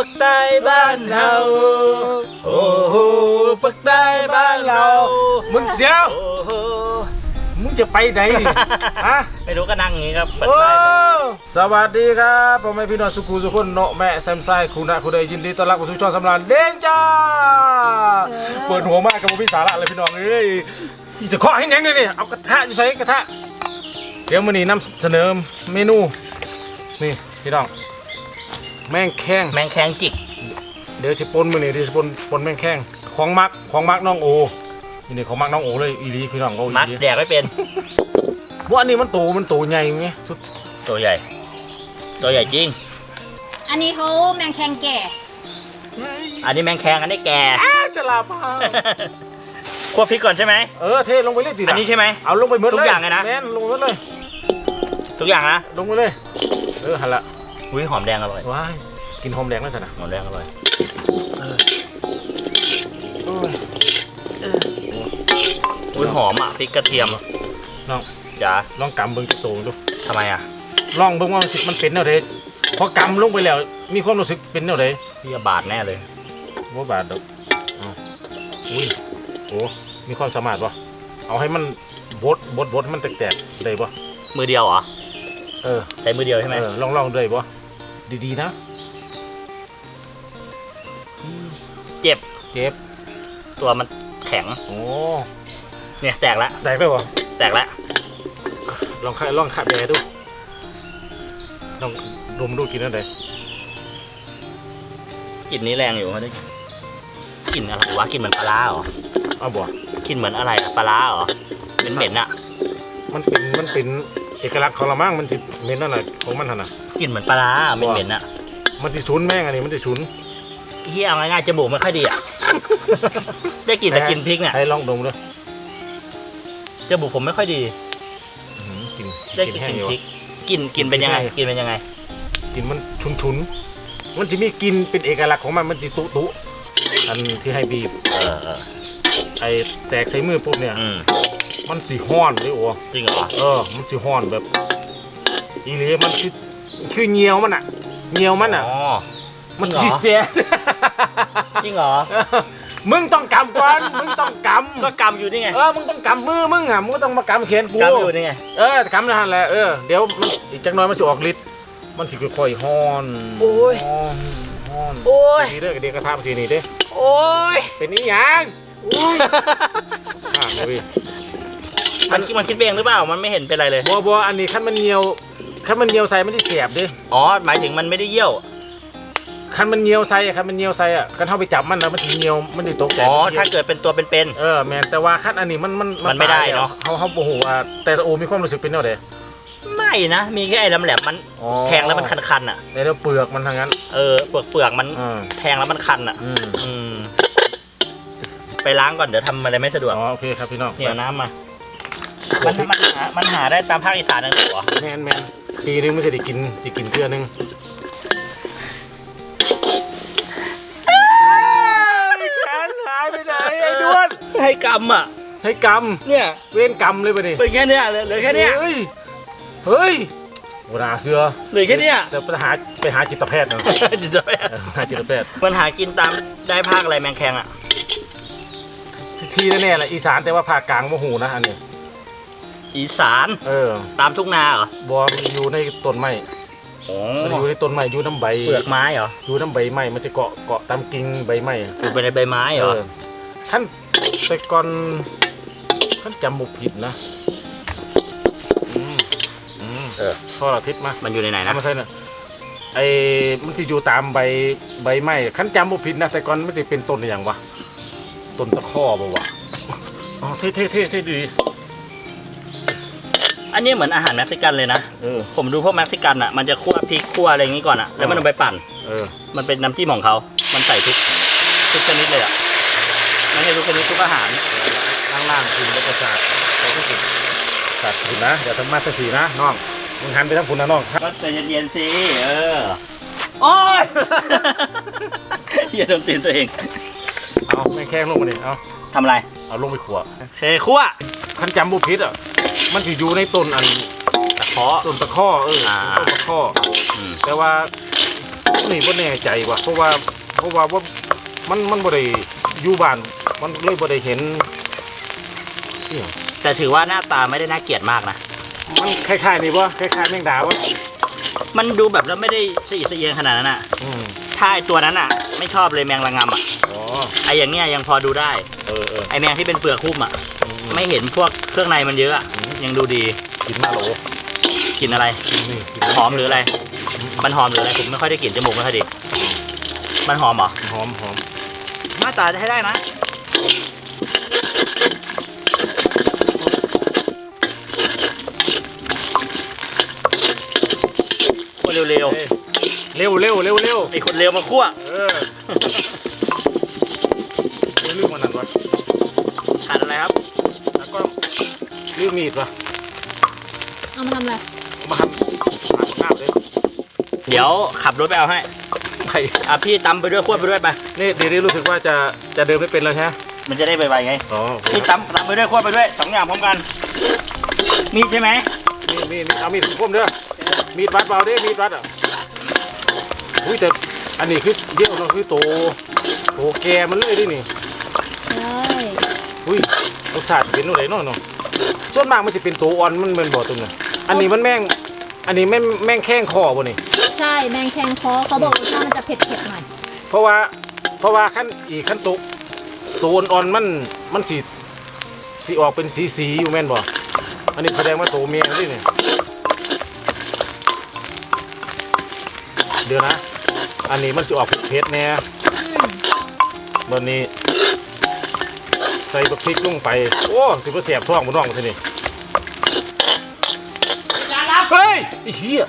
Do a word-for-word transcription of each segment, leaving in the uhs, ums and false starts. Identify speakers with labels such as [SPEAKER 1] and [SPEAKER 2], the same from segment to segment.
[SPEAKER 1] ปักใต้บ้านเราโอ้โหปักใต้บ้านเรามึงเดี๋ยวมึงจะไปไหนนี่ฮะไม่รู้ก็นั่งอย่างนี้ครับโอ้สวัสดีครับพ่อแม่พี่น้องสุขุสุขคนเนาะแม่แซมไซคุณนะคุณใดยินดีต้อนรับเข้าสู่ช่องสำราญเด้งจ้าเปิดหัวมากกับพี่สาระเลยพี่น้องเอ้ยจะเคาะให้ยังไงนี่เอากระทะอยู่ใส่กระทะเดี๋ยวมื้อนี้นำเสนอเมนูนี่พี่น้องแมงแข้งแมงแข้งจิกเดี๋ยวสิปนมื้อนี้เดี๋ยวสิปนปนแมงแข้งของมักของมักน้องโอนี่ของมักน้องโอเลยอีหลีพี่น้องเขาอีหลีมักแดกไม่เป็นว่าอันนี้มันโตมันโตใหญ่ไงตัวใหญ่ตัวใหญ่จริง
[SPEAKER 2] อันนี้เขาแมงแข้งแก่
[SPEAKER 1] อันนี้แมงแข้งอันนี้แก่จะลาพาคั่วพริกก่อนใช่ไหมเออเทลงไปเลยสิอันนี้ใช่ไหมเอาลงไปหมดเลยทุกอย่างเลยนะแน่นลงไปเลยทุกอย่างนะลงไปเลยเออหันละอุ้ยหอมแดงอร่อยว้ายกินหอมแดงแล้วสินะหอมแดงอร่อยอุ้ยหอมอ่ะพริกกระเทียมน้องจ๋าลองกำเบิ้งจะโตดูทำไมอ่ะลองเบิ้งว่ามันเป็นแนวใดพอกำลงไปแล้วมีความรู้สึกเป็นแนวใดพี่บาดแน่เลยว่าบาดดอกอุ้ยโอ้มีความสามารถปะเอาให้มันบดบดบดมันแตกๆได้ปะมือเดียวเหรอเออใช้มือเดียวใช่ไหมลองลองได้ปะดีๆนะเจ็บเจ็บตัวมันแข็งโอ้เนี่ยแตกแล้วแตกได้ปะแตกแล้วลองข้าลองข้าแบดูลองดมดูกินอะไรกลิ่นนี้แรงอยู่มันได้กลิ่นอะไรวะกลิ่นเหมือนปลาเหรอเอาบ่กลิ่นเหมือนอะไรปลาเหรอเป็นเหม็นอะมันเป็นมันเป็นเอกลักษณ์ของเรามั่งมันจะเหม็นอะไรของมันน่ะกลิ่นเหมือนปลาเหม็นเหม็นอะมันจะฉุนแม่งอันนี้มันจะฉุนเฮียเอาง่ายๆจมูกไม่ค่อยดีอะได้กลิ่นแต่กลิ่นพริกเนี่ยให้ลองดมด้วยจมูกผมไม่ค่อยดีได้กลิ่นพริกกลิ่นกลิ่นเป็นยังไงกลิ่นเป็นยังไงกลิ่นมันฉุนๆมันจะมีกลิ่นเป็นเอกลักษณ์ของมันมันจะตุตุอันที่ให้บีบเออไอแตกใส่มือปุ๊บเนี่ยมันสีห้อนเลยโอ้จริงเหรอเออมันสีห้อนแบบอีเลียมันคือคือเงียวมันอ่ะเงียวมันอ่ะมันสีเสียจริงเหรอมึงต้องกำก่อนมึงต้องกำก็กำอยู่นี่ไงเออมึงต้องกำมือมึงอ่ะมึงก็ต้องมากำแขนกูกำอยู่นี่ไงเออกำนั่นแหละเออเดี๋ยวอีกจักหน่อยมันจะออกฤทธิ์มันจะค่อยๆห้อนโอ้ยโอ้ยดีเด้อเด็กกระทำสีนี่เด้โอ้ยเป็นนี่ยังโอ้ยอ่าเลยมันมันคิดเองหรือเปล่ามันไม่เห็นเป็นไรเลยบัวบัวอันนี้ขั้นมันเงียวขั้นมันเงียวใส่ไม่ได้เสียบดิอ๋อหมายถึงมันไม่ได้เยี่ยวขั้นมันเงียวใส่ขั้นมันเงียวใส่อ่ะขั้นเข้าไปจับมันแล้วมันเงียวมันจะตกใจอ๋อถ้าเกิดเป็นตัวเป็นๆเออแมนแต่ว่าขั้นอันนี้มันมันมันไม่ได้เนาะเขาเขาโอ้โหแต่โอมีความรู้สึกเป็นแนวไหนไม่นะมีแค่ไอ้ลำแหลมมันแทงแล้วมันคันๆอ่ะในเรื่องเปลือกมันทางนั้นเออเปลือกเปลือกมันแทงแล้วมันคันอ่ะอืมไปล้างก่อนเดี๋ยวทำอะไรไม่สะดวกอ๋อโอเคครับพี่น้องเนี่ยน้ำมามันมันหามันหาได้ตามภาคอีสานนั่นหรอแมนแมนปีนึงไม่ใช่ได้กินได้กินเพื่อนึงแขนหายไปไหนไอ้ด้วนให้กำอ่ะให้กำเนี่ยเว้นกำเลยไปดิเป็นแค่เนี้ยเลยแค่เนี้ยเฮ้ยเฮ้ยโหนาเสือเลยแค่เนี้ยเดี๋ยวไปหาไปหาจิตแพทย์เนาะจิตแพทย์หาจิตแพทย์มันหากินตามได้ภาคอะไรแมงแคงอ่ะที่แน่ๆแหละอีสานแต่ว่าภาคกลางโมโหนะอันนี้อีสานเออตามทุ่งนาเหรอบัวมันอยู่ในต้นไม้มันอยู่ในต้นไม้อยู่น้ำใบเปลือกไม้เหรออยู่น้ำใบไม้มันจะเกาะเกาะตามกิ่งใบไม้อยู่ไปในใบไม้เหรอท่านแต่ก่อนท่านจำบุผิดนะอืมอืมเออข้อเราทิศมามันอยู่ในไหนนะไม่ใช่นะไอ้มันจะอยู่ตามใบใบไม้ขั้นจำบุผิดนะแต่ก่อนมันจะเป็นต้นอย่างวะต้นตะข้อป่าวะอ๋อเท่เท่เท่เท่ดีอันนี้เหมือนอาหารเม็กซิกันเลยนะเออผมดูพวกเม็กซิกันอ่ะมันจะคั่วพริกคั่วอะไรอย่างนี้ก่อนอ่ะแล้วมันเอาไปปั่นเออมันเป็นน้ำจิ้มของเขามันใส่ทุกทุกชนิดเลยอ่ะไม่ใช่ทุกชนิดทุกอาหารล่างๆคุณแล้วก็สาดเราก็กินสาดคุณนะเดี๋ยวทำมาสักทีนะน้องมึงหันไปทางคุณนะน้องก็ใจเย็นๆสิเออโอ้ยอย่าโดนตีนตัวเองเอาแม่งแข้งลงมาดิเอาทำอะไรเอาลงไปขั่วเทขั่วขั้นจำบุพิษอ่ะมันจะอยู่ในต้นอันตะเคาะต้นตะข้อเออต้นตะข้อแต่ว่า
[SPEAKER 3] นี่บ่แน่ใจว่ะเพราะว่าเพราะว่าว่ามันมันบ่ได้อยู่บ้านมันเลยบ่ได้เห็นนี่หรอ
[SPEAKER 1] แต่ถือว่าหน้าตาไม่ได้น่าเกลียดมากนะ
[SPEAKER 3] มันคล้ายๆนี่บ่คล้ายๆแมงดาวะ
[SPEAKER 1] มันดูแบบแล้วไม่ได้สะอิดสะเอียนขนาดนั้นอ่ะ
[SPEAKER 3] อืม
[SPEAKER 1] ถ้าไอตัวนั้นอ่ะ ไม่ชอบเลยแมงระงำอ่ะ
[SPEAKER 3] อ๋อ
[SPEAKER 1] ไออย่างเนี้ยยังพอดูได้
[SPEAKER 3] เออเออ
[SPEAKER 1] ไอแมงที่เป็นเปลือกหุ้มอ่ะ
[SPEAKER 3] อืม
[SPEAKER 1] ไม่เห็นพวกเครื่องในมันเยอะอะยังดูดี
[SPEAKER 3] กินมาโหล
[SPEAKER 1] กลิ่นอะไร
[SPEAKER 3] กินนี่กิน
[SPEAKER 1] หอมหรืออะไร มันหอมหรืออะไรผมไม่ค่อยได้กลิ่นจมูกไม่ค่อยดีมันหอมเหรอ
[SPEAKER 3] หอมหอม
[SPEAKER 1] หน้าตาจะให้ได้นะคนเร็ว
[SPEAKER 3] เร็วเร็วเร็วเร็วเร็ว
[SPEAKER 1] ๆไอคนเร็วมาคั่ว
[SPEAKER 3] เออเรื่องมันนั่นวะ
[SPEAKER 1] ขาดอะไรครับ
[SPEAKER 3] แล้วก็เรื่องมีดวะ
[SPEAKER 2] เอามาทำอะไร
[SPEAKER 3] เอามาหั่นหั่นหน้าเลย
[SPEAKER 1] เดี๋ยวขับรถไปเอาให้
[SPEAKER 3] ไป
[SPEAKER 1] อ่ะพี่ตำไปด้วยคั่วไปด้วยไป
[SPEAKER 3] นี่เดี๋ยวนี้รู้สึกว่าจะจะเดินไม่เป็นแล้วใช่ไหม
[SPEAKER 1] มันจะได้ไวๆไง
[SPEAKER 3] อ๋อ
[SPEAKER 1] พี่ตำตำไปด้วยคั่วไปด้วยสองอย่างพร้อมกันมีดใช่ไหม
[SPEAKER 3] นี่นี่นี่เอามีดคมเด้อมีดวัดเปล่าเด้มีดวัดอ่ะอุ้ยแต่อันนี้คือเดี่ยวเนาะคือโตโตแกมันเลยดินี่
[SPEAKER 2] ใช่
[SPEAKER 3] อุ้ยรสชาติเป็นอะไรเนาะเนาะส่วนมากมันจะเป็นตัวอ่อนมันเป็นบ่อตัวนึงอันนี้มันแม่งอันนี้แม่งแม่งแข้งคอบ่นี่
[SPEAKER 2] ใช่แมงแคงคอเขาบอกรสชาติมันจะเผ็ดๆหน่อย
[SPEAKER 3] เพราะว่าเพราะว่าขั้นอีกขั้นตุกตัวอ่อนๆมันมันสีสีออกเป็นสีสีอยู่แม่นบ่อันนี้แสดงว่าตัวเมียนี่นี่เดี๋ยวนะอันนี้มันสิออกเผ็ดๆแน่ตอนนี้ใส่บักพริกลงไปโอ้สิบ่แสบท้องบ่น้องทีนี่เฮ้ยไอ้เหี้ย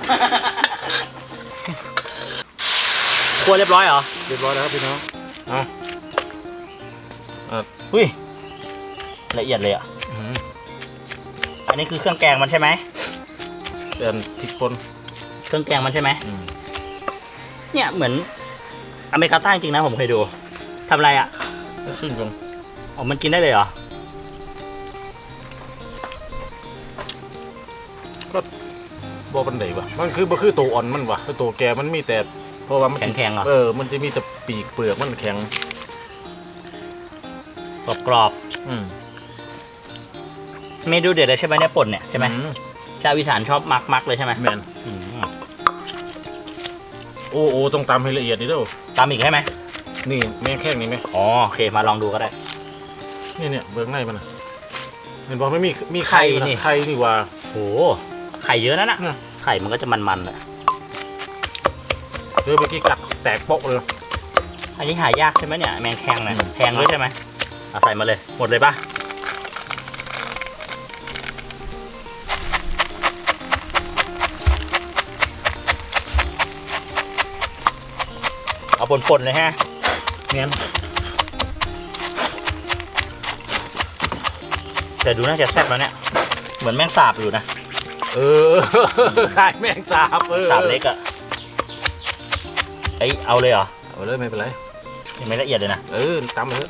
[SPEAKER 1] คั่วเรียบร้อยเหรอ
[SPEAKER 3] เรียบร้อยแล้วครับพี่น้องเอาอ่ะ
[SPEAKER 1] อุ้ยละเอียดเลยอ่ะ
[SPEAKER 3] อืม
[SPEAKER 1] อันนี้คือเครื่องแกงมันใช่ไหม
[SPEAKER 3] เดินพริกป่น
[SPEAKER 1] เครื่องแกงมันใช่ไหม
[SPEAKER 3] อืม
[SPEAKER 1] เนี่ยเหมือนอเมริกาใต้จริงนะผมเคยดูทำอะไรอ่ะ
[SPEAKER 3] แล้วซึ่งกัน
[SPEAKER 1] อ๋อมันกินได้เลยเหรอ
[SPEAKER 3] บ่ปันไดวะมันคือบ่คือตัวอ่อนมันวะคือตัวแกมันมีแต่เพราะว่ามัน
[SPEAKER 1] แข็งๆเหรอ
[SPEAKER 3] เออมันจะมีแต่ปีกเปลือกมันแข็ง
[SPEAKER 1] กรอบ
[SPEAKER 3] อืม
[SPEAKER 1] ๆเมนูเด็ดเลยใช่ไหมเนี่ยป่นเนี่ยใช่ไหม
[SPEAKER 3] อื
[SPEAKER 1] ชาวอีสานชอบมักมักๆเลยใช่ไหม
[SPEAKER 3] แม่น
[SPEAKER 1] อืม
[SPEAKER 3] โอ้โอ้ต้องตำให้ละเอียดนี่เด้อ
[SPEAKER 1] ตามอีกใช่ไหม
[SPEAKER 3] นี่แม่งแข้งนี่ไหม
[SPEAKER 1] อ๋อโอเคมาลองดูก็ได้
[SPEAKER 3] นี่เนี่ยเบื้องในมันน่ะเห็นบอกไม่มีมีไข่
[SPEAKER 1] ไข่นี่
[SPEAKER 3] นี่ไข่นี่ว่า
[SPEAKER 1] โหไข่เยอะนะน่ะ
[SPEAKER 3] อืม
[SPEAKER 1] ไข่มันก็จะมันๆเลย
[SPEAKER 3] เดี๋ยวเมื่อกี้กัดแตกโป๊ะเลย
[SPEAKER 1] อันนี้หายากใช่ไหมเนี่ยแมงแคงเนี่ย
[SPEAKER 3] อืม
[SPEAKER 1] แพงด้วยใช่ไหมเอาใส่มาเลยหมดเลยปะเอาป่นๆเลยฮะ
[SPEAKER 3] เงี้ย
[SPEAKER 1] แต่ดูน่าจะแซ่บแล้วเนี่ยเหมือนแมงสาบอยู่นะ
[SPEAKER 3] เออ ไข่แมงสาบเออ
[SPEAKER 1] สาบเล็กอะไอยเอาเลยเหรอ
[SPEAKER 3] เอาเลยไม่เป็นไร
[SPEAKER 1] ยังไม่ละเอียดเลยนะ
[SPEAKER 3] เออตำมาเถอะ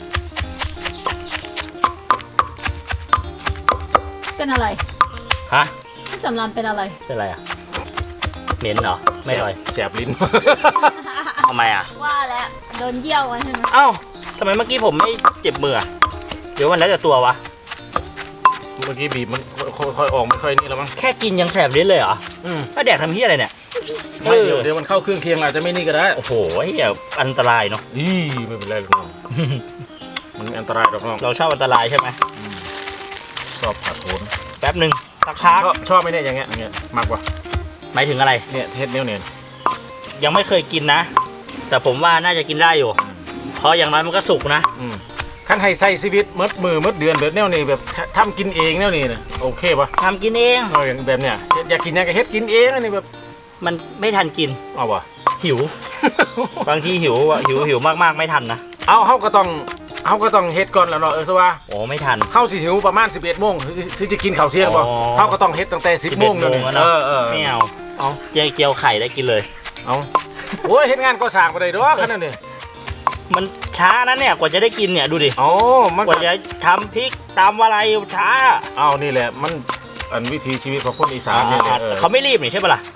[SPEAKER 2] เป็นอะไร
[SPEAKER 1] ฮะ
[SPEAKER 2] พี่สำรานเป็นอะไร
[SPEAKER 1] เป็นอะไรอะเหม็นเหรอไม่อร่อย
[SPEAKER 3] แสบลิ้น
[SPEAKER 1] ทำไมอะ
[SPEAKER 2] ว่าแล้วโดนเยี่ยวไว้ใช่ไหม
[SPEAKER 1] เอ้าทำไมเมื่อกี้ผมไม่เจ็บมืออะเดี๋ยววันแล้วแต่ตัววะ
[SPEAKER 3] เมื่อกี้บีบมันค่อยๆออกไม่ค่อยนี่แล้วมั้ง
[SPEAKER 1] แค่กินยังแสบลิ้นเลยเหรอ
[SPEAKER 3] อืม
[SPEAKER 1] ถ้าแดกทำเหี้ยอะไรเนี่ย
[SPEAKER 3] ไม่เดี๋ยวเดี๋ยวมันเข้าเครื่องเคียงอาจจะไม่นี่ก็ได้
[SPEAKER 1] โอ้โหเหี้ยอันตรายเนาะ
[SPEAKER 3] อีไม่เป็นไรหรอกน้องมันไม่อันตรายหรอกน้อง
[SPEAKER 1] เราชอบอันตรายใช่ไหม
[SPEAKER 3] อืมชอบผัดโขน
[SPEAKER 1] แป๊บหนึ่งสักพัก
[SPEAKER 3] ชอบชอบไหมเนี่ยอย่างเงี้ยอย่างเงี้ยมากกว่า
[SPEAKER 1] หมายถึงอะไร
[SPEAKER 3] เนี่ยเทสเนี้ยเนี่ย
[SPEAKER 1] ยังไม่เคยกินนะ แต่ผมว่าน่าจะกินได้อยู่ เพราะอย่างน้อยมันก็สุกนะ
[SPEAKER 3] อืมขั้นให้ใส่ชีวิตมดมือมดเดือนแบบแนวนี้แบบทำกินเองแนวนี้นะโอเคปะ
[SPEAKER 1] ทำกินเอง
[SPEAKER 3] เอาอย่างแบบเนี้ยอยากกินยังก็เฮ็ดกินเองอันนี้แบบ
[SPEAKER 1] มันไม่ทันกิน
[SPEAKER 3] เอาวะ
[SPEAKER 1] หิว บางทีหิวอะหิวหิวมากๆไม่ทันนะ
[SPEAKER 3] เอาเฮาก็ต้องเฮาก็ต้องเฮ็ดก่อนแล้วเนาะเออซะว่า
[SPEAKER 1] โอ้ไม่ทัน
[SPEAKER 3] เฮาสิหิวประมาณสิบเอ็ดโมงถึงจะกินข้าวเที่ยงบ่
[SPEAKER 1] อ๋อ
[SPEAKER 3] เฮาก็ต้องเฮ็ดตั้งแต่สิบโมง
[SPEAKER 1] สิบเอ็ดโมงแล้ว
[SPEAKER 3] เอ
[SPEAKER 1] เนอะ
[SPEAKER 3] อเออ
[SPEAKER 1] ไม่เอา
[SPEAKER 3] เอา
[SPEAKER 1] เจียวเจียวไข่ได้กินเลย
[SPEAKER 3] เอาโอ้ยเฮ็ดงานก็สร้างบ่ได้ดอกขนาดนี้
[SPEAKER 1] มันช้านะเนี่ยกว่าจะได้กินเนี่ยดูดิ
[SPEAKER 3] อ๋อมัน
[SPEAKER 1] ก
[SPEAKER 3] ก็
[SPEAKER 1] ว่าจะทำพริกตำอะไรช้า
[SPEAKER 3] เอานี่แหละมันอันวิถีชีวิตของคนอีสานเนี่ยแหละเออ
[SPEAKER 1] เขาไม่รีบนี่ใช่ปะล่ะ ถ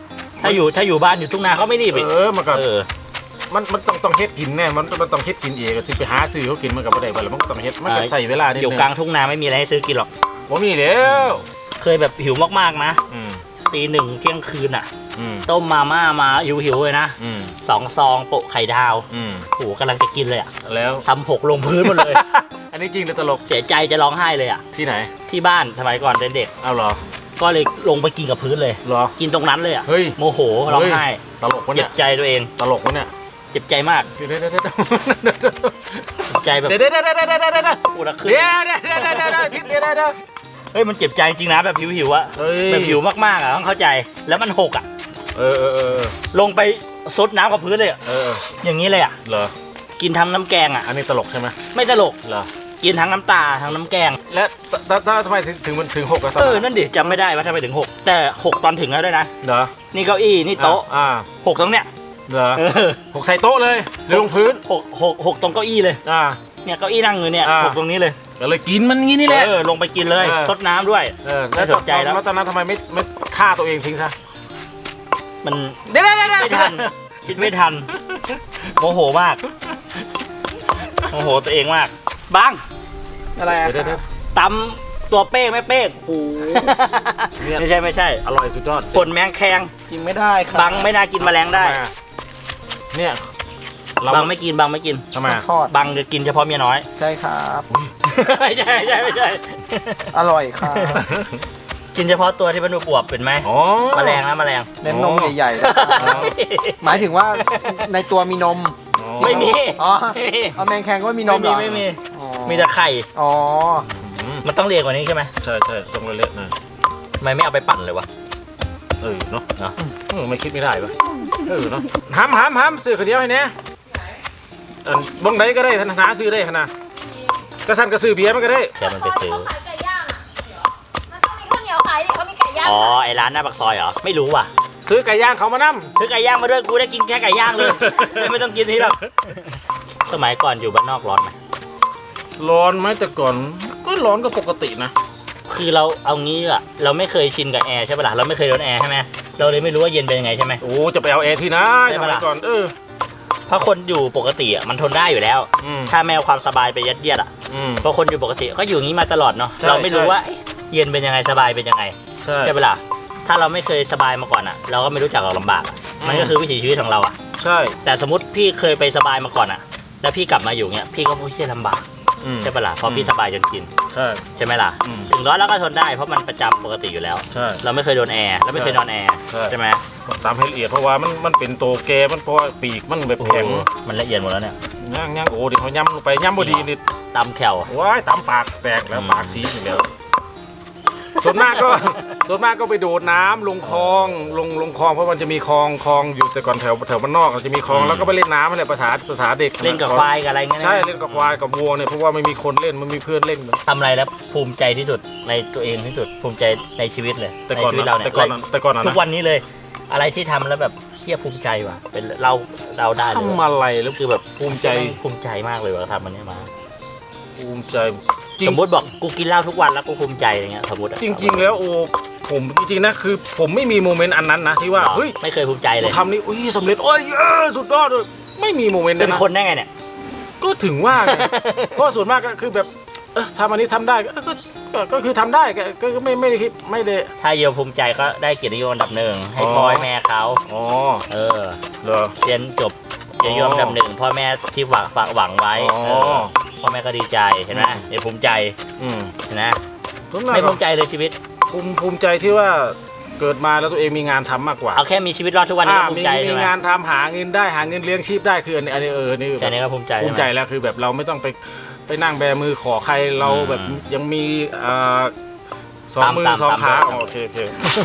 [SPEAKER 1] ถ้าอยู่ถ้าอยู่บ้านอยู่ทุ่งนาเขาไม่รีบอีก
[SPEAKER 3] เออมันก็
[SPEAKER 1] เออ
[SPEAKER 3] มันมันต้องต้องเฮ็ดกินแน่มันมันต้องเฮ็ดกินเองที่ไปหาซื้อเขากินมันก็บ่ได้บ่แล้วมันก็ต้องเฮ็ดมันก็ใส่เวลานิดนึง
[SPEAKER 1] อยู่กลางทุ่งนาไม่มีอะไรให้ซื้อกินหรอก
[SPEAKER 3] บ่มีแล้ว
[SPEAKER 1] เคยแบบหิวมากๆนะ
[SPEAKER 3] อืม
[SPEAKER 1] ตีหนึ่งเที่ยงคืนอ่ะ
[SPEAKER 3] อืม
[SPEAKER 1] ต้มมาม่ามาหิวหิวๆเลยนะ
[SPEAKER 3] อืม
[SPEAKER 1] สองซองโปะไข่ดาว
[SPEAKER 3] อืม
[SPEAKER 1] โหกำลังจะกินเลยอ่ะ
[SPEAKER 3] แล้ว
[SPEAKER 1] ทำหกลงพื้นหมดเลย
[SPEAKER 3] อันนี้จริงหรือตลก
[SPEAKER 1] เสียใจจะร้องไห้เลยอ่ะ
[SPEAKER 3] ที่ไหน
[SPEAKER 1] ที่บ้านสมัยก่อนเป็นเด็ก
[SPEAKER 3] เอาเหรอ
[SPEAKER 1] ก็เลยลงไปกินกับพื้นเลย
[SPEAKER 3] เหรอ
[SPEAKER 1] กินตรงนั้นเลยอ่ะ
[SPEAKER 3] เฮ้ย
[SPEAKER 1] โมโหร้องไห้
[SPEAKER 3] ตลกวะ
[SPEAKER 1] เจ็
[SPEAKER 3] เนี่
[SPEAKER 1] บ
[SPEAKER 3] ย
[SPEAKER 1] ใจตัวเอง
[SPEAKER 3] ตลกวะเนี่ย
[SPEAKER 1] เจ็บใจมาก
[SPEAKER 3] เดี๋ยวเดี๋ยวเดี๋ยวเดี๋ยว
[SPEAKER 1] เจ็บใจแบบ
[SPEAKER 3] เดี๋ยวเดี๋ยวเดี๋ยวเดี๋ยวเดี๋ยวเดี๋ยวเดี๋ยว
[SPEAKER 1] ปวดขึ้น
[SPEAKER 3] เดี๋ยวเดี๋ยวเดี๋ยวเดี๋ยวเดี๋ยวทิศเดี๋ยวเดี๋ยวเดี๋ยว
[SPEAKER 1] เฮ้ยมันเจ็บใจจริงนะแบบหิวหิวๆอะ
[SPEAKER 3] เฮ้ย
[SPEAKER 1] แบบหิวมากๆอะต้องเข้าใจแล้วมันหกอะ
[SPEAKER 3] เออเออเออ
[SPEAKER 1] ลงไปซดน้ำกับพื้นเลยอะ
[SPEAKER 3] เออ
[SPEAKER 1] อย่างนี้เลยอะ
[SPEAKER 3] เหรอ
[SPEAKER 1] กินทั้งน้ำแกงอะ
[SPEAKER 3] อันนี้ตลกใช่ไหม
[SPEAKER 1] ไม่ตลก
[SPEAKER 3] เหรอ
[SPEAKER 1] กินทั้งน้ำตาทั้งน้ำแกง
[SPEAKER 3] และถ้าถ้าทำไมถึงถึงมันถึงหกอะตอน
[SPEAKER 1] เออ
[SPEAKER 3] นั้น
[SPEAKER 1] นั่นดิจำไม่ได้ว่าทำไมถึงหกแต่หกตอนถึงแล้วด้วยนะ
[SPEAKER 3] เหรอ
[SPEAKER 1] นี่เก้าอี้นี่โต๊ะ
[SPEAKER 3] อ่า
[SPEAKER 1] หกตรงเนี้ย
[SPEAKER 3] เหรอ
[SPEAKER 1] เออ
[SPEAKER 3] หกใส่โต๊ะเลยหรือลงพื้น
[SPEAKER 1] หกหกหกตรงเก้าอี้เลย
[SPEAKER 3] อ่า
[SPEAKER 1] เนี่ยเก้าอี้นั่งอยู่เนี่ย
[SPEAKER 3] อ่า
[SPEAKER 1] หกตรงนี้เลย
[SPEAKER 3] ก็เลยกินมันงี้นี่แหละ
[SPEAKER 1] เออลงไปกินเลย
[SPEAKER 3] เออ
[SPEAKER 1] ซดน้ำด้วย
[SPEAKER 3] เออ
[SPEAKER 1] ไม่สนใจแล้ว
[SPEAKER 3] แล้วตอนนั้นทำไมไม่ไม่ฆ่าตัวเองทิ้งซะ
[SPEAKER 1] มัน
[SPEAKER 3] เดี๋ยวเดี๋ยวเดี๋ยว
[SPEAKER 1] ไม่ทันคิดไม่ทันโมโหมากโมโหตัวเองมากบัง
[SPEAKER 4] อะไรอะ
[SPEAKER 3] เดี๋ยวเดี๋ยว
[SPEAKER 1] ตำตัวเป้งไม่เป้งโอ้โห
[SPEAKER 3] เนี่ย
[SPEAKER 1] ไม่ใช่ไม่ใช่
[SPEAKER 3] อร่อยสุดยอด
[SPEAKER 1] ผลแมงแคง
[SPEAKER 4] กินไม่ได้ค่ะ
[SPEAKER 1] บังไม่น่ากินแมลงได้
[SPEAKER 3] ทำมอะเนี่ยเรา
[SPEAKER 1] บังไม่กินบังไม่กิน
[SPEAKER 3] ทำไมอะ
[SPEAKER 4] ทอด
[SPEAKER 1] บังจะกินเฉพาะเมียน้อย
[SPEAKER 4] ใช่ครับ
[SPEAKER 1] ไม่ใช่ไม่ใช่ไม่ใช่
[SPEAKER 4] อร่อยค่ะ
[SPEAKER 1] กินเฉพาะตัวที่มันอวบๆเป็นไหม
[SPEAKER 3] อ๋อ
[SPEAKER 1] แมลงนะแมลง
[SPEAKER 4] เน้นนมใหญ่ๆนะครับหมายถึงว่าในตัวมีนม
[SPEAKER 3] อ๋อ
[SPEAKER 1] ไม่มี
[SPEAKER 4] อ๋อ
[SPEAKER 1] ไม่มี
[SPEAKER 4] เอาแมงแคงก็ไม่มีนมเหรอ
[SPEAKER 1] ไม่มี
[SPEAKER 4] อ๋อ
[SPEAKER 1] มีแต่ไข่
[SPEAKER 4] อ๋อ
[SPEAKER 3] อืม
[SPEAKER 1] มันต้องเรียกกว่านี้ใช่ไหม
[SPEAKER 3] ใช่ใช่ต้องเละๆหน่อย
[SPEAKER 1] ทำไมไม่เอาไปปั่นเลยวะ
[SPEAKER 3] เออเนาะ
[SPEAKER 1] เนาะ
[SPEAKER 3] เออไม่คิดไม่ได้ปะเออเนาะห้ามห้ามห้ามซื้อคนเดียวให้เนี่ยอันบ้องใดก็ได้ธนาซื้อได้ขนาดกระสันกระซื้อเบียร์มันก็ได้
[SPEAKER 1] แค่มันไปซื้อ
[SPEAKER 2] ขายไก่ย่างอะมันต้องมีข้าวเหนียวขายดิเขามีไก่ย่าง
[SPEAKER 1] อ๋อ
[SPEAKER 2] ขาย
[SPEAKER 1] ไอร้านหน้าปากซอยเหรอไม่รู้ว่ะ
[SPEAKER 3] ซื้อไก่ย่างเขามานั่ม
[SPEAKER 1] ซื้อไก่ย่างมาด้วยกูได้กินแค่ไก่ย่างเลย ไม่ต้องกินนี่หรอกสมัยก่อนอยู่บ้านนอกร้อนไหม
[SPEAKER 3] ร้อนไหมแต่ก่อนก็ร้อนก็ปกตินะ
[SPEAKER 1] คือเราเอางี้อะเราไม่เคยชินกับแอร์ใช่ปะล่ะเราไม่เคยโดนแอร์ใช่ไหมเราเลยไม่รู้ว่าเย็นเป็นยังไงใช่ไหม
[SPEAKER 3] โอ้จะไปเอาแอร์ที่ไหน
[SPEAKER 1] ใช่
[SPEAKER 3] ส
[SPEAKER 1] ปะ
[SPEAKER 3] มัย
[SPEAKER 1] ล่ะ
[SPEAKER 3] ก่อนเออ
[SPEAKER 1] เพราะคนอยู่ปกติอะมันทนได้อยู่แล้ว
[SPEAKER 3] อืม
[SPEAKER 1] ถ้าแมวความสบายไปยัดเยียดอะ
[SPEAKER 3] อืม
[SPEAKER 1] เพราะคนอยู่ปกติก็อยู่อย่างนี้มาตลอดเนาะ
[SPEAKER 3] ใช่
[SPEAKER 1] เราไม่รู้
[SPEAKER 3] ใช่
[SPEAKER 1] ว่าเอ๊ะเย็นเป็นยังไงสบายเป็นยังไง
[SPEAKER 3] ใช่
[SPEAKER 1] ใช่ปะล่ะถ้าเราไม่เคยสบายมาก่อนอะเราก็ไม่รู้จักหรอกลำบากอะ
[SPEAKER 3] อืม
[SPEAKER 1] มันก็คือวิถีชีวิตของเราอะ
[SPEAKER 3] ใช่
[SPEAKER 1] แต่สมมติพี่เคยไปสบายมาก่อนอะแล้วพี่กลับมาอยู่เงี้ยพี่ก็พูดเชี่ยลำบาก
[SPEAKER 3] อืม
[SPEAKER 1] ใช่ปะล่ะเพราะพี่สบายจนชิน
[SPEAKER 3] ใช่
[SPEAKER 1] ใช่ไหมล่ะ
[SPEAKER 3] อืม
[SPEAKER 1] ถึงร้อนแล้วก็ทนได้เพราะมันประจำปกติอยู่แล้ว
[SPEAKER 3] ใช่
[SPEAKER 1] เราไม่เคยโดนแอร์แล้วไม่เคยนอนแอร์
[SPEAKER 3] ใช่
[SPEAKER 1] ใช่ไหม
[SPEAKER 3] ตามให้ละเอียดเพราะว่ามันมันเป็นโตแกมันเพราะว่าปีกมันแบบ
[SPEAKER 1] โอ้โห
[SPEAKER 3] แข็ง
[SPEAKER 1] มันละเอียดหมดแล้วเนี่ย
[SPEAKER 3] ย่างย่างโอ้เดี๋ยวเขาย่ำลงไปย่ำบดีนี่
[SPEAKER 1] ตำแขว
[SPEAKER 3] ว้ายตามปากแตกแล้ว
[SPEAKER 1] อืม
[SPEAKER 3] ปากสีอยู่แล้วส่วนมากก็ ส่วนมากก็ไปโดดน้ำลงคลองลงลงคลองเพราะมันจะมีคลองคลองอยู่แต่ก่อนแถวแถวบ้านนอกจะมีคลองแล้วก็ไปเล่นน้ำอะไรภาษาภาษาเด็ก
[SPEAKER 1] เล่นกับควายกับอะไรเงี้ยนะ
[SPEAKER 3] ใช่เล่นกับควายกับวัวเนี่ยเพราะว่าไม่มีคนเล่นมันมีเพื่อนเล่น
[SPEAKER 1] ทำอะไรแล้วภูมิใจที่สุดในตัวเองที่สุดภูมิใจในชีวิตเลย
[SPEAKER 3] แต่ก่อน
[SPEAKER 1] ในชีวิตเรา
[SPEAKER 3] นะ
[SPEAKER 1] เนี่ย
[SPEAKER 3] แต่ก่อนนะแต่ก่อนนะ
[SPEAKER 1] ทุกวันนี้เลย อะไรที่ทำแล้วแบบเทียบภูมิใจว่ะเป็นเราเราได้เลย
[SPEAKER 3] ทำอะไรแล้ว
[SPEAKER 1] คือแบบ
[SPEAKER 3] ภูมิใจ
[SPEAKER 1] ภูมิใจมากเลยว่าทำมันเนี้ยมา
[SPEAKER 3] ภูมิใจจริง
[SPEAKER 1] สมมติบอกกูกินเหล้าทุกวันแล้วกูภูมิใจอะไรเงี้ยสมมติอะ
[SPEAKER 3] จริง ๆ แล้วโอ้ผมจริงๆนะคือ ผมไม่มีโมเมนต์อันนั้นนะที่ว่า
[SPEAKER 1] หรอ
[SPEAKER 3] เฮ้ย
[SPEAKER 1] ไม่เคยภูมิใจเลย
[SPEAKER 3] ทำนี่อุ้ยสำเร็จโอ้ยเออสุดยอดเลยไม่มีโมเมนต์
[SPEAKER 1] เป็น
[SPEAKER 3] นะ
[SPEAKER 1] คนได้ไงเนี่ย
[SPEAKER 3] ก็ถึงว่าไง เพราะส่วนมากก็คือแบบเออทำอันนี้ทำได้ก็ก็ก็ก็คือทำได้ก็ก็ก็ไม่ไม่ได้คิดไม่ได้
[SPEAKER 1] ถ้าเยลภูมิใจก็ได้เกียรตินิยมอันดับหนึ่งให้
[SPEAKER 3] อ๋อ
[SPEAKER 1] พ่อให้แม่เขา
[SPEAKER 3] อ๋อ
[SPEAKER 1] เออ
[SPEAKER 3] เหรอ
[SPEAKER 1] เรียนจบเกียรตินิยมอันดับหนึ่งพ่อแม่ที่ฝากฝากหวังไว้
[SPEAKER 3] อ๋อ
[SPEAKER 1] เออพ่อแม่ก็ดีใจเห็นไหม
[SPEAKER 3] อืม
[SPEAKER 1] เดี๋ยวภูมิใจ
[SPEAKER 3] อืม
[SPEAKER 1] เห็นไหม
[SPEAKER 3] ส่วนมาก
[SPEAKER 1] ไม่ภูมิใจเลยชีวิต
[SPEAKER 3] ภูมิภูมิใจที่ว่าเกิดมาแล้วตัวเองมีงานทำมากกว่า
[SPEAKER 1] เอาแค่มีชีวิตรอดทุกวันนี้
[SPEAKER 3] อ่า
[SPEAKER 1] ก็ภู
[SPEAKER 3] มี
[SPEAKER 1] มิใจ
[SPEAKER 3] มี
[SPEAKER 1] ใช่ไหม
[SPEAKER 3] งานทำหาเงินได้หาเงินเลี้ยงชีพได้คืออันนี้อันนี้เออนี่
[SPEAKER 1] แค่นี้ก็ภูมิใจ
[SPEAKER 3] ภูมิใจ
[SPEAKER 1] ช่ไห
[SPEAKER 3] แล้วคือแบบเราไม่ต้องไปไปนั่งแบมือขอใครเรา
[SPEAKER 1] อืม
[SPEAKER 3] แบบยังมีอ่าสองมือ
[SPEAKER 1] ตาม
[SPEAKER 3] สอง
[SPEAKER 1] ตาม
[SPEAKER 3] ขา
[SPEAKER 1] ตาม
[SPEAKER 3] อ๋อโอเคโอเค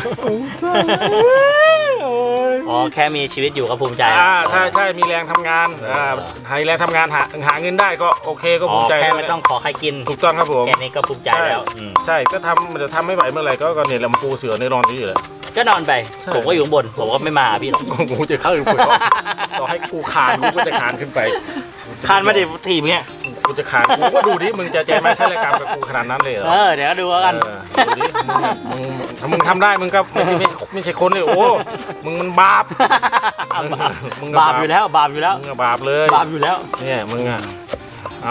[SPEAKER 1] อ๋อแค่มีชีวิตอยู่ก็ภูมิใจ
[SPEAKER 3] อ่าใช่ใช่มีแรงทำงานอ่าให้แรงทำงานหาหาเงินได้ก็โอเคก็
[SPEAKER 1] อ๋
[SPEAKER 3] ภู
[SPEAKER 1] อ
[SPEAKER 3] มิใจ
[SPEAKER 1] แค่
[SPEAKER 3] ล้ว
[SPEAKER 1] ไม่ต้องขอใครกิน
[SPEAKER 3] ถูกต้องครับผม
[SPEAKER 1] แค่นี้ก็ภูมิใจ
[SPEAKER 3] ใช่
[SPEAKER 1] แล้วอืม
[SPEAKER 3] ใช่ก็ทำมันจะทำไม่ไหวเมื่อไหร่ก็ก็เนี่ยแหละมาปูเสือในนอนอยู่เลย
[SPEAKER 1] ก็นอนไป
[SPEAKER 3] ใช่
[SPEAKER 1] ผมก็อยู่ข้างบนผมก็ไม่มาพี่หรอก
[SPEAKER 3] กูจะเข้าอยู่กูก็ต่อให้กูคานกูก็จะคานขึ้นไป
[SPEAKER 1] คานมาดิทีมเนี้ย
[SPEAKER 3] กูจะคานกูก็ดูดิมึงจะใจไหมใช่รายการกับกูขนาดนั้นเลยเหรอ
[SPEAKER 1] เออเดี๋ยวก็ดูแล้วกัน
[SPEAKER 3] เออดูดิมึงมึงถ้ามึงทำได้มึงก็ไม่ใช่ไม่ไม่ใช่คนเลยโอ้มึงมันบาปมึงก็
[SPEAKER 1] บาปอยู่แล้วบาปอยู่แล้ว
[SPEAKER 3] มึงก็บาปเลย
[SPEAKER 1] บาปอยู่แล้ว
[SPEAKER 3] เนี่ยมึงอ่ะเอา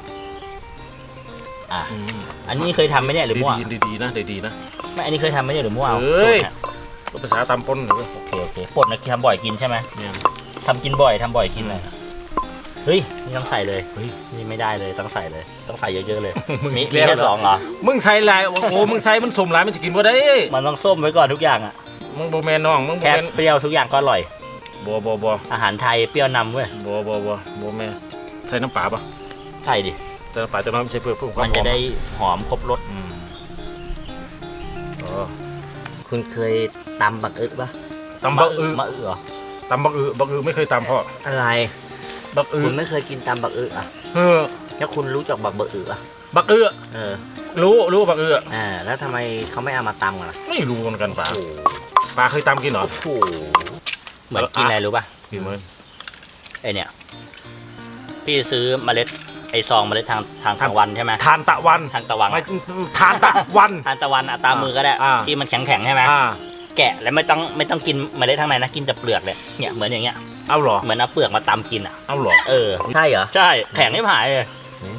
[SPEAKER 1] อ่ะอันนี้เคยทำไหมเนี่ยหรือมั่ว
[SPEAKER 3] ดีๆดีๆนะดีๆนะ
[SPEAKER 1] ไม่อันนี้เคยทำไหมเนี่ยหรือมั่วเอา
[SPEAKER 3] เอ้ย
[SPEAKER 1] สูตรนี่
[SPEAKER 3] ก็ภาษาตามปนหรือ
[SPEAKER 1] โอเคโอเคป่นนะทำบ่อยกินใช่ไหม
[SPEAKER 3] เนี่ย
[SPEAKER 1] ทำกินบ่อยทำบ่อยกินเลยเฮ้ยนี่ต้องใส่เลย
[SPEAKER 3] เฮ้ย
[SPEAKER 1] นี่ไม่ได้เลยต้องใส่เลย ต้องใส่เยอะๆเลย
[SPEAKER 3] มึง
[SPEAKER 1] มี
[SPEAKER 3] อีก
[SPEAKER 1] มี
[SPEAKER 3] แล้ว
[SPEAKER 1] แค่สองเหรอ
[SPEAKER 3] มึงใส่ลายโอ้โหมึงใส่มันสมหลายมันจะกินบ่ได้
[SPEAKER 1] มันต้องส้มไว้ก่อนทุกอย่างอ่ะ
[SPEAKER 3] มึงโบแมนน้องมึงโบ
[SPEAKER 1] แค่
[SPEAKER 3] แมน
[SPEAKER 1] เปรี้ยวทุกอย่างก็อร่อย
[SPEAKER 3] บัวบัวบัว
[SPEAKER 1] อาหารไทยเปรี้ยวนำเว้ย
[SPEAKER 3] บัวบัวบัวบัวแม่ใส่น้ำปลาปะ
[SPEAKER 1] ใช่ดิ
[SPEAKER 3] ใส่น้ำปลาจะน้ำใช่เพื่อเพิ่มความ
[SPEAKER 1] มันจะได้หอมครบรส
[SPEAKER 3] อืมอ๋อ
[SPEAKER 1] คุณเคยตำบักอึปะ
[SPEAKER 3] ตำบักอือ
[SPEAKER 1] มะอึเหรอ
[SPEAKER 3] ตำบักอือบักอือไม่เคยตำพ่อ
[SPEAKER 1] อะไร
[SPEAKER 3] บักอือ
[SPEAKER 1] คุณไม่เคยกินตำบักอึอ่ะ
[SPEAKER 3] เออ
[SPEAKER 1] แล้วคุณรู้จักบักเบอร์อึอ่ะ
[SPEAKER 3] บักอือ
[SPEAKER 1] เออ
[SPEAKER 3] รู้รู้บักอือ
[SPEAKER 1] อ่าแล้วทำไมเขาไม่เอามาตำกันล่ะ
[SPEAKER 3] ไม่รู้เหมือนกันป่า
[SPEAKER 1] โอ้โห
[SPEAKER 3] ปลาเคยตำกินเหรอ
[SPEAKER 1] โอ้โหเหมือนกินอะไรรู้ป่ะ
[SPEAKER 3] กินเหมือน
[SPEAKER 1] ไอเนี่ยพี่ซื้อเมล็ดไอซองเมล็ดทางทางตะวันใช่ไหม
[SPEAKER 3] ทานตะวัน
[SPEAKER 1] ทางตะวัน
[SPEAKER 3] ไม่ทานตะวัน
[SPEAKER 1] ทานตะวันอะตามมือก็ได้
[SPEAKER 3] อ่า
[SPEAKER 1] ที่มันแข็งแข็งๆใช่ไหม
[SPEAKER 3] อ่า
[SPEAKER 1] แกะแล้วไม่ต้องไม่ต้องกินเมล็ดข้างในนะกินแต่เปลือกเลยเนี่ยเหมือนอย่างเงี้ย
[SPEAKER 3] เอาเหรอ
[SPEAKER 1] เหมือนเอาเปลือกมาตำกินอ่ะ
[SPEAKER 3] เอาเหรอ
[SPEAKER 1] เออ
[SPEAKER 4] ใช่เหรอ
[SPEAKER 1] ใช่แข็งไม่หายเลย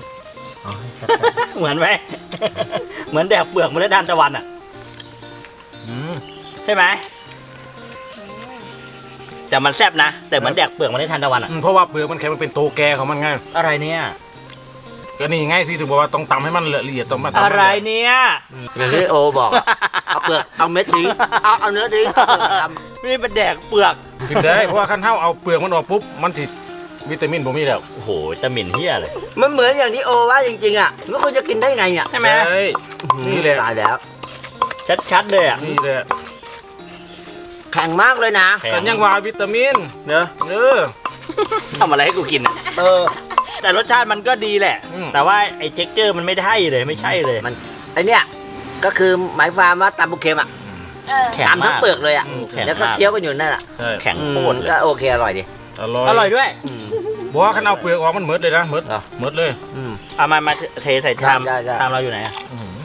[SPEAKER 1] เหมือนไหม เหมือนแดกเปลือกเมล็ดทานตะวันอ่ะ
[SPEAKER 3] อืม
[SPEAKER 1] ใช่ไหมแต่มันแซ่บนะแต่เหมือนแดกเปลือกเมล็ดทานตะวันอ่ะ
[SPEAKER 3] อืมเพราะว่าเปลือกมันแข็งมันเป็นโตแกของมันไง
[SPEAKER 1] อะไรเนี่ย
[SPEAKER 3] ก็นี่ไงพี่ถึงบอกว่าต้องตำให้มันละเอียดต้องมาทำให้
[SPEAKER 1] อะไรเนี่ย
[SPEAKER 4] อย่างที่โอบอกอะเอาเปลือกเอาเม็ดนี้เอาเอาเนื้อนี้ทำ
[SPEAKER 1] นี่เป็นแดกเปลือก
[SPEAKER 3] กินได้เพราะว่าขั้นเท้าเอาเปลือกมันออกปุ๊บมันสิวิตามินผมมีแล้ว
[SPEAKER 1] โอ้โหจะหมิ่นเฮียเลย
[SPEAKER 4] มันเหมือนอย่างที่โอว่าจริงๆอ่ะแล้วคุณจะกินได้ไงเนี่ย
[SPEAKER 1] ใช่ไหม
[SPEAKER 3] ใช่นี่แหละ
[SPEAKER 4] ตายแล้ว
[SPEAKER 1] ชัดๆเลยอ่ะ
[SPEAKER 3] นี่แหละ
[SPEAKER 4] แข็งมากเลยนะ
[SPEAKER 1] แข็
[SPEAKER 3] กันยังว่าวิตามิน
[SPEAKER 4] เนอะ
[SPEAKER 3] เออ
[SPEAKER 1] ทำอะไรให้กูกินอ่ะ
[SPEAKER 4] เออ
[SPEAKER 1] แต่รสชาติมันก็ดีแหละ
[SPEAKER 3] อืม
[SPEAKER 1] แต่ว่าไอ้เท็กเจอร์มันไม่ได้เลยไม่ใช่เลย
[SPEAKER 4] มัน ไอเนี่ยก็คือหมายความว่าตำบุกเค็มอ่ะ
[SPEAKER 2] เออ
[SPEAKER 1] แข็ง
[SPEAKER 4] ตำทั้ง
[SPEAKER 1] มาก
[SPEAKER 4] เปลือกเลยอ่ะ
[SPEAKER 1] อืมแข็ง
[SPEAKER 4] แล้วก็
[SPEAKER 1] มาก
[SPEAKER 4] เคี้ยวกันอยู่นั่นแหละ
[SPEAKER 3] ใช่
[SPEAKER 1] แข็ง
[SPEAKER 4] อืม
[SPEAKER 1] โคตรเลย
[SPEAKER 4] ก็โอเคอร่อยดิ
[SPEAKER 3] อร่อย
[SPEAKER 1] อร่อยด้วย
[SPEAKER 4] อืม
[SPEAKER 3] บอกว่าขั้นเอาเปลือกออกมันเหมือดเลยนะเหมือด
[SPEAKER 4] เหรอ
[SPEAKER 3] เหมือดเลย
[SPEAKER 4] อืม
[SPEAKER 1] เอามามาเทใส่ชาม
[SPEAKER 4] ได้ได้
[SPEAKER 1] ชามเราอยู่ไหนอ่ะ
[SPEAKER 3] อื้อหือ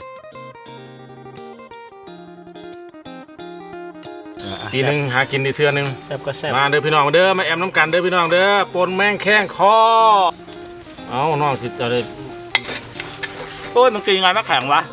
[SPEAKER 3] ทีหนึ่งหากินดีเทื่อหนึง
[SPEAKER 1] แซ่บก็แซ่บ
[SPEAKER 3] มาเด้อพี่น้องเด้อมาแอมน้ำกันเด้อพี่น้องเด้อปนแม่งแข้งคอเอาน้องจิตอะไร
[SPEAKER 1] โอ้ยมันกินยังไงไม่แข็งวะ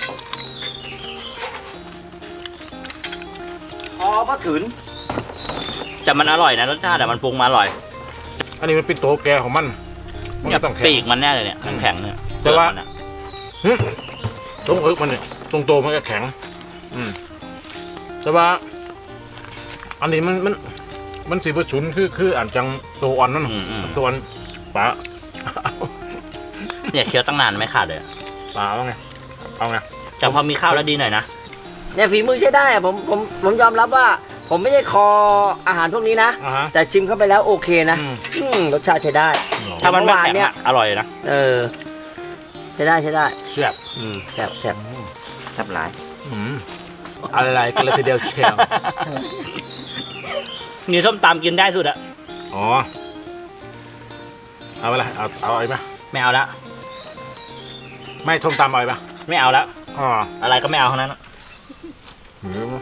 [SPEAKER 4] อ๋อก็ถึง
[SPEAKER 1] แต่มันอร่อยนะรสชาติแต่มันปรุงมาอร่อย
[SPEAKER 3] อันนี้มันเป็นโตแกของมันมัน
[SPEAKER 1] เนี่ย
[SPEAKER 3] ก็ต้องแข็ง
[SPEAKER 1] ปีกมันแน่เลยเนี่ยแข็งๆเนี่ย
[SPEAKER 3] แต่ว่า
[SPEAKER 1] เปลือกมันอะ
[SPEAKER 3] หึตรงเอิกมันเนี่ยตรงโตมันก็แข็ง อืมแต่ว่า อันนี้มันมันมันสีประชุนคือคืออ่านจังตัวอ่อนนั่น
[SPEAKER 1] อืมอืม
[SPEAKER 3] ตัวอ่อนปลา
[SPEAKER 1] เนี่ยเคี้ยวตั้งนานไม่ขาดเลยอะ
[SPEAKER 3] ปลาเอาไงเอาไง
[SPEAKER 1] แต่พอมีข้าวแล้วดีหน่อยนะ
[SPEAKER 4] เนี่ยฝีมือใช้ได้อะผมผมผมยอมรับว่า ผมไม่ได้คออาหารพวกนี้นะ
[SPEAKER 3] อ่าฮะ
[SPEAKER 4] แต่ชิมเข้าไปแล้วโอเคนะ
[SPEAKER 3] อืม
[SPEAKER 4] อืมรสชาติใช้ได้
[SPEAKER 1] ถ้ามันไม่
[SPEAKER 4] เมื่อวาน
[SPEAKER 1] แข็ง
[SPEAKER 4] เนี่ย
[SPEAKER 1] อะอร่อยนะ
[SPEAKER 4] เออใช้ได้ใช้ได้
[SPEAKER 3] เสียบ
[SPEAKER 4] อืมแซ่บแซ่บแซ่บหลาย
[SPEAKER 3] อืมอะไรกันเลยทีเดียวเชียว
[SPEAKER 1] นี่ส้มตำกินได้สุดอะ
[SPEAKER 3] อ๋อเอาไปละเอาเอาไอ้ไหม
[SPEAKER 1] ไม่เอาละ
[SPEAKER 3] ไม่ส้มตำเอาไอ้ปะ
[SPEAKER 1] ไม่เอาละ
[SPEAKER 3] อ๋อ
[SPEAKER 1] อะไรก็ไม่เอาทั้งนั้นอะ
[SPEAKER 3] หืม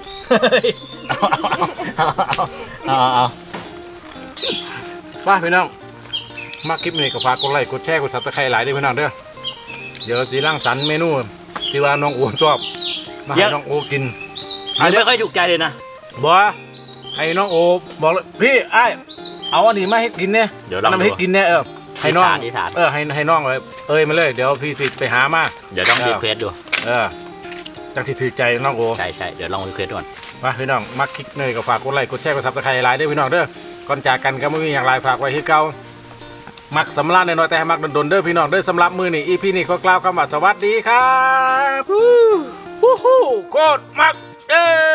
[SPEAKER 1] เอาเอาเอาเอา
[SPEAKER 3] ว่าพี่น้องมาคลิปนี้ก็ฝากกดไลค์กดแชร์กดซับสไครต์หลายด้วยพี่น้องเด้อเดี๋ยวสีร่างสรรค์เมนูที่ว่าน้องโอชอบมาให้น้องโอกิน
[SPEAKER 1] อันนี้ไม่ค่อยถูกใจเลยนะ
[SPEAKER 3] บอกว่าให้น้องโอบอกเลยพี่ไอ้ายเอาอันนี้มาให้กินเนี่ย
[SPEAKER 1] เดี๋ยวลอง
[SPEAKER 3] นำ
[SPEAKER 1] ดู
[SPEAKER 3] ให้กินเนี่ยเออให้น้อง
[SPEAKER 1] อธิษฐาน
[SPEAKER 3] เออให้ให้น้องเลยเอ้ยมาเลยเดี๋ยวพี่สิไปหามา
[SPEAKER 1] เดี๋ยวต้อง
[SPEAKER 3] เออ
[SPEAKER 1] รีเควสดู
[SPEAKER 3] เออจังสิถือใจน้องโอ
[SPEAKER 1] ใช่ใช่เดี๋ยวลองรีเควสดูก่อน
[SPEAKER 3] มาพี่น้องมาคลิกเนยก็ฝากกดไลค์กดแชร์กดซับสไครต์หลายด้วยพี่น้องเด้อก่อนจากกันก็ไม่มีอย่างไรฝากไว้ที่เก่ามักสำราญน้อยๆแต่ให้มักดนๆเด้อพี่น้องเด้อสำหรับมือนี่อีพีนี่ก็กล่าวคำว่าสวัสดีครับฮู้ฮู้โคตรมักเอ้